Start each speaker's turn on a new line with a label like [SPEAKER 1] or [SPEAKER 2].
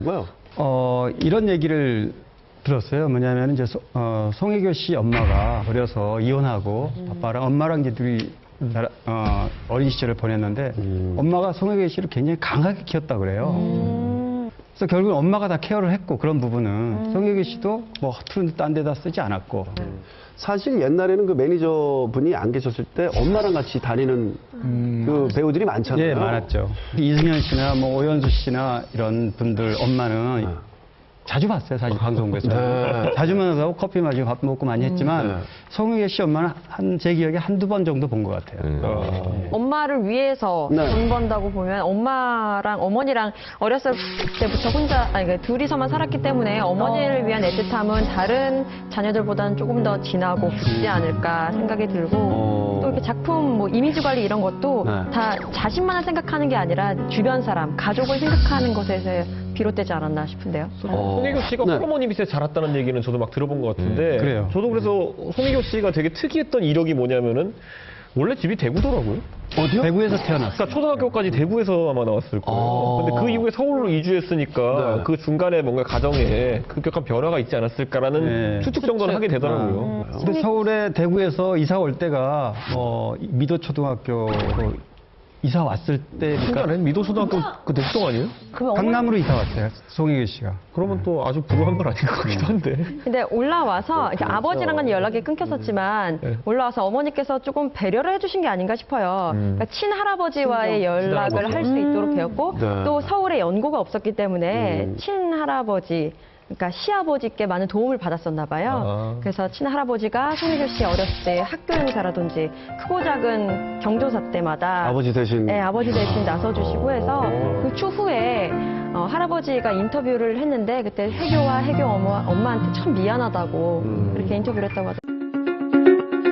[SPEAKER 1] 뭐요?
[SPEAKER 2] 이런 얘기를 들었어요. 뭐냐면 이제 송혜교 씨 엄마가 어려서 이혼하고 아빠랑 엄마랑 이제 둘이 어린 시절을 보냈는데 엄마가 송혜교 씨를 굉장히 강하게 키웠다 그래요. 그래서 결국 엄마가 다 케어를 했고 그런 부분은 송혜교 씨도 뭐 허투루 딴 데다 쓰지 않았고.
[SPEAKER 1] 사실 옛날에는 그 매니저분이 안 계셨을 때 엄마랑 같이 다니는 그 배우들이 많잖아요.
[SPEAKER 2] 예, 많았죠. 이승현 씨나 뭐 오연수 씨나 이런 분들 엄마는 자주 봤어요, 사실 방송국에서.
[SPEAKER 1] 네.
[SPEAKER 2] 자주 만나서 커피 마시고 밥 먹고 많이 했지만
[SPEAKER 1] 네.
[SPEAKER 2] 송혜교 씨 엄마는 제 기억에 한두 번 정도 본 것 같아요.
[SPEAKER 3] 엄마를 위해서
[SPEAKER 1] 네.
[SPEAKER 3] 돈 번다고 보면 엄마랑 어머니랑 어렸을 때부터 혼자 그러니까 둘이서만 살았기 때문에 어머니를 위한 애틋함은 다른 자녀들보다는 조금 더 진하고 깊지 않을까 생각이 들고 또 이렇게 작품 뭐 이미지 관리 이런 것도
[SPEAKER 1] 네.
[SPEAKER 3] 다 자신만을 생각하는 게 아니라 주변 사람, 가족을 생각하는 것에서 비롯되지 않았나 싶은데요.
[SPEAKER 4] 송혜교 씨가
[SPEAKER 1] 네.
[SPEAKER 4] 호르몬이 밑에 자랐다는 얘기는 저도 막 들어본 것 같은데
[SPEAKER 2] 그래요.
[SPEAKER 4] 저도 그래서 송혜교 씨가 되게 특이했던 이력이 뭐냐면은 원래 집이 대구더라고요.
[SPEAKER 1] 어디요?
[SPEAKER 2] 대구에서 태어났어요.
[SPEAKER 4] 그러니까 초등학교까지 대구에서 아마 나왔을 거예요. 근데 그 이후에 서울로 이주했으니까
[SPEAKER 1] 네.
[SPEAKER 4] 그 중간에 뭔가 가정에 급격한 변화가 있지 않았을까라는
[SPEAKER 2] 네.
[SPEAKER 4] 추측 정도는 하게 되더라고요.
[SPEAKER 2] 근데 서울에 대구에서 이사 올 때가 미도초등학교로 이사 왔을 때니까
[SPEAKER 4] 신기하네. 미도초등학교 그 넥동 아니에요?
[SPEAKER 3] 그러면
[SPEAKER 2] 강남으로 이사 왔어요. 송혜교 씨가.
[SPEAKER 4] 그러면 또 아주 불우한 건 아닌 것 같기도 한데.
[SPEAKER 3] 근데 올라와서 이렇게 아버지랑은 연락이 끊겼었지만
[SPEAKER 4] 네.
[SPEAKER 3] 올라와서 어머니께서 조금 배려를 해주신 게 아닌가 싶어요. 그러니까 친할아버지와의 연락을 할 수 있도록 되었고
[SPEAKER 1] 네.
[SPEAKER 3] 또 서울에 연고가 없었기 때문에 친할아버지 그러니까 시아버지께 많은 도움을 받았었나 봐요.
[SPEAKER 4] 아.
[SPEAKER 3] 그래서 친할아버지가 송혜교 씨 어렸을 때 학교 행사라든지 크고 작은 경조사 때마다
[SPEAKER 1] 아버지 대신.
[SPEAKER 3] 네, 아버지 대신 나서주시고 해서 그 추후에 할아버지가 인터뷰를 했는데 그때 혜교 엄마한테 참 미안하다고 그렇게 인터뷰를 했다고 하더라고요.